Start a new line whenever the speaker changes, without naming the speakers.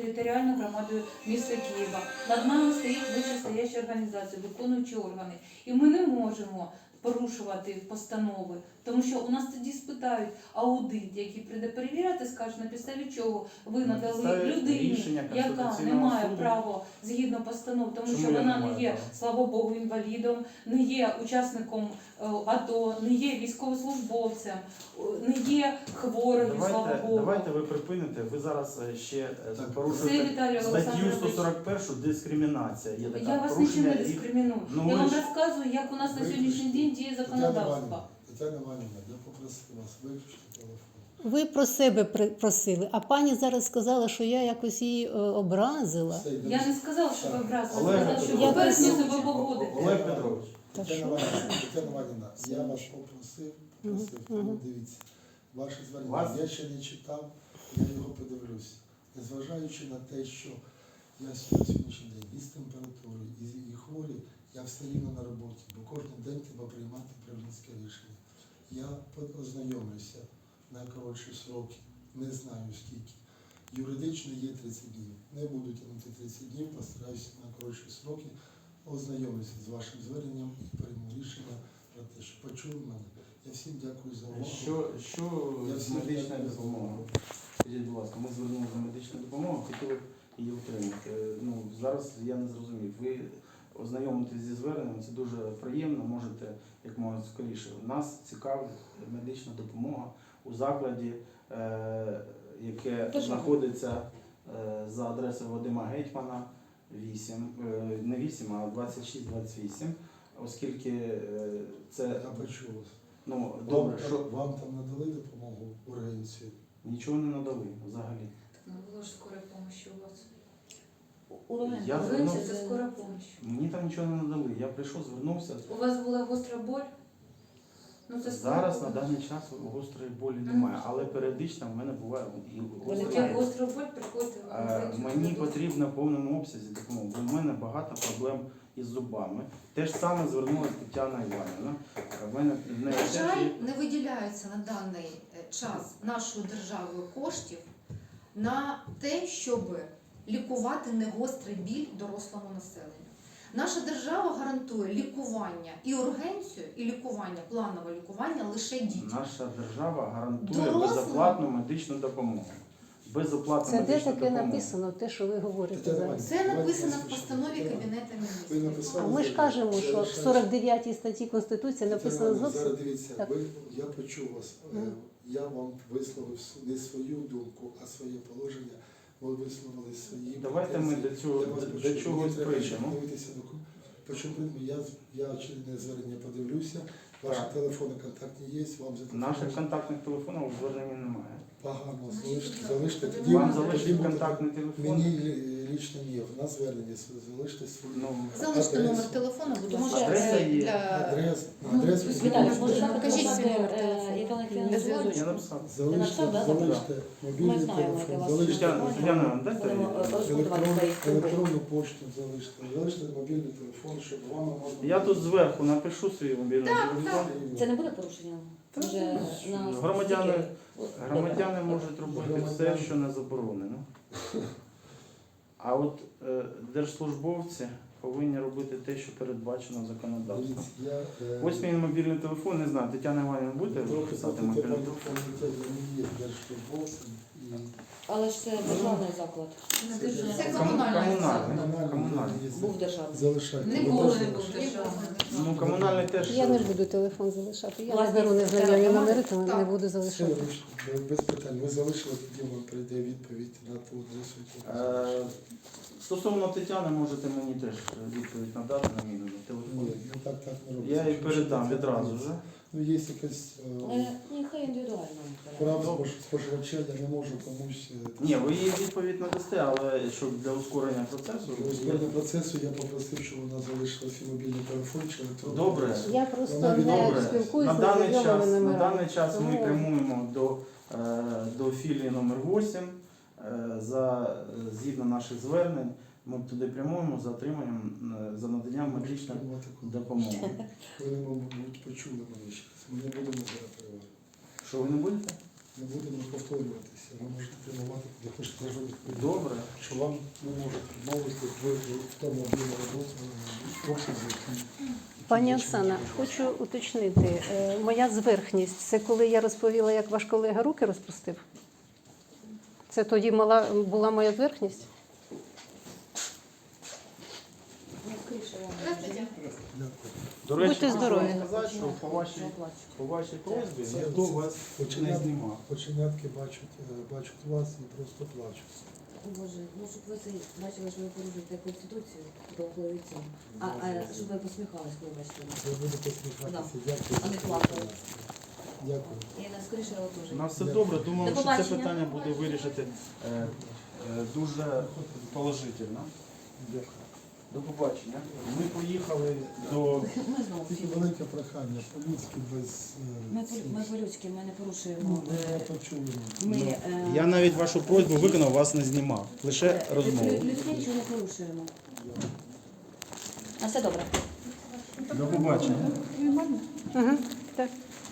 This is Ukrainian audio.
територіальною громадою міста Києва. Над нами стоїть вищестояща організація, виконуючі органи. І ми не можемо порушувати постанови, тому що у нас тоді спитають аудит, який прийде перевіряти, скаже, на підставі чого ви надали людині, яка не має права згідно постанов, тому що вона не є, слава Богу, інвалідом, не є учасником АТО, не є військовослужбовцем, не є хворою, слава Богу.
Давайте ви припините, ви зараз ще порушуєте статтю 141 дискримінація. Є така,
я вас нічим не дискриміную. Я вам розказую, як у нас на сьогоднішній день діє законодавство.
Тетяна Іванівна, я попросив вас виключити телефон.
Ви про себе просили, а пані зараз сказала, що я якось її образила.
Я не сказала, що ви образили,
Олег,
сказала, що
я
ви бережно
просто-
себе поводите.
Олег Петрович.
Тетяна Іванівна, я вас попросив, тому дивіться, ваше звернення я ще не читав, я його подивлюся. Незважаючи на те, що я сьогоднішній день із температурою, і хворий, я все рівно на роботі, бо кожен день треба приймати управлінське рішення. Я ознайомлюся на коротші сроки, не знаю скільки. Юридично є 30 днів. Не буду тягнути 30 днів, постараюся на коротші сроки ознайомлюся з вашим зверненням і прийму рішення про те, що почули мене. Я всім дякую за увагу.
Що з медичною допомогою? Скажіть, будь ласка, ми звернулися за медичну допомогу, хотіли б її отримати. Зараз я не зрозумів. Ви ознайомитесь зі зверненням, це дуже приємно, можете як можна скоріше. Нас цікавить медична допомога у закладі, яке знаходиться за адресою Вадима Гетьмана, 8, не 8, а 26-28, оскільки це...
Я почув вас.
Добре, що...
Вам там надали допомогу ургенцію?
Нічого не надали взагалі.
Ну, було ж скорая помощь у вас.
Я
Ургенція – це скора помощь.
Мені там нічого не надали. Я прийшов, звернувся.
У вас була гостра боль? Ну, це
Зараз на даний час гострої болі немає, але періодично в мене буває і гостра
Як
боль.
гостра боль, приходьте в ургенцію.
Мені потрібно в повному обсязі допомога, бо в мене багато проблем із зубами. Те ж саме звернулася Тетяна Іванівна.
На жаль, не виділяється на даний час нашою державою коштів на те, щоб лікувати негострий біль дорослому населенню. Наша держава гарантує лікування і ургенцію, і лікування, планове лікування лише дітям.
Наша держава гарантує
Дорослим?
безоплатну медичну допомогу. Безоплатну
Це де
медичну
таке
допомогу.
написано, те, що ви говорите
Тетяна
зараз?
Це написано в постанові Кабінету
Ви
Міністрів.
написали?
А ми ж кажемо, що в 49 статті Конституції написано
Зараз
зовсім.
дивіться,
Так.
я почув вас. Я вам висловив не свою думку, а своє положення. Ви висловили свої.
Давайте ми
претензії.
до
Я вас почув.
чого
Мені треба
прийдемо.
дивитися я очередне звернення подивлюся. Ваші
Так.
телефони контактні є, вам
Наших контактних телефонів у зверненні немає.
погано.
Значить,
Залиште.
ви
Тоді
Вам
можете-
залишить
буде-
контактний телефон.
Мені лічно ні, в нас звернення залиште свої.
Залиште
Адресу.
номер телефону, будь
Може,
ласка,
адреса є.
для...
Адресу
Віталій,
залиште.
може
Покажіть
написати,
свій номер телефону.
яка на
Я
зв'язку?
написав.
Залиште
написав, да,
залиште мобільний
Ми знаємо,
телефон,
яке у вас
залиште
Тетяна, дайте
Будемо розпитувати своїх
електронну пошту, залиште мобільний телефон, щоб вам можна.
Я тут зверху напишу свій мобільний телефон.
Це не буде порушення? Вже на
Громадяни,
стільки?
громадяни можуть робити все, що не заборонено. А от держслужбовці повинні робити те, що передбачено законодавством.
Дивіться,
Ось мій мобільний телефон, не знаю, Тетяна Іванівна буде писати мобільний телефон?
не є держслужбовцем і
Але ж це державний заклад.
Не державний.
Це комунальний
Комунальний.
Був державний.
залишайте.
Не
Ви
було,
теж
не
залишайте.
було.
Ну, комунальний теж.
Я не ж буду телефон залишати. Я не
Власність
беру незнайомі
громади?
номери, тому не
Так.
буду
Все,
залишати.
без питань. Ви залишили, тоді вам прийде відповідь на ту адресу.
Стосовно Тетяни, можете мені теж відповідь надати на мій телефон.
Ні, ну так не робиться.
Я їй передам відразу вже.
Ну, є якась
Нехай індивідуально.
права споживача, я не можу комусь.
Ні, ви їй відповідь надасте, але щоб для ускорення процесу.
Для ускорення процесу я попросив, щоб вона залишила свій мобільний телефон чи електронну
Добре.
адресу.
Я просто
Вона
не
Добре.
спілкуюся
На
з
даний
незнайомими
час, на
номерами.
даний час ми
Тому-
прямуємо до філії номер 8 згідно наших звернень. Ми туди прямуємо за отриманням, за наданням медичної допомоги.
Ви, мабуть, почули мене ще. Ми не будемо зараз переварити.
Що ви не будете?
не будемо повторюватися. Ви можете прямувати, куди хочете, я вже відповідаю.
Добре.
Що вам не можуть відмовити в тому об'ємі роботи, в обсязі, який...
Пані Оксана, хочу уточнити, моя зверхність, це коли я розповіла, як ваш колега руки розпустив? Це тоді була моя зверхність?
Дякую.
До речі,
Будьте здорові.
хочу сказати, що по вашій просьбі
Це-
ніхто вас не
Починятки,
знімав.
починятки бачать вас і просто плачуть.
Боже, ну щоб ви це бачили, що ви порушуєте Конституцію до голови цього. Щоб ви посміхались, коли бачите нас.
Ви будете посміхатися.
Да.
Дякую.
А не плакали.
Дякую.
І скоріше його теж.
У нас все добре. Думаю,
До
що це
побачення.
питання буде вирішити дуже положительно.
Дякую.
До побачення. Ми поїхали до...
Ми знову
Тільки
всі.
велике прохання, по-людськи без...
Ми по-людськи, ми не порушуємо. Ми,
Я навіть вашу просьбу виконав, вас не знімав. Лише розмову.
Людське нічого не порушуємо. А все добре.
До побачення.
Угу. Так.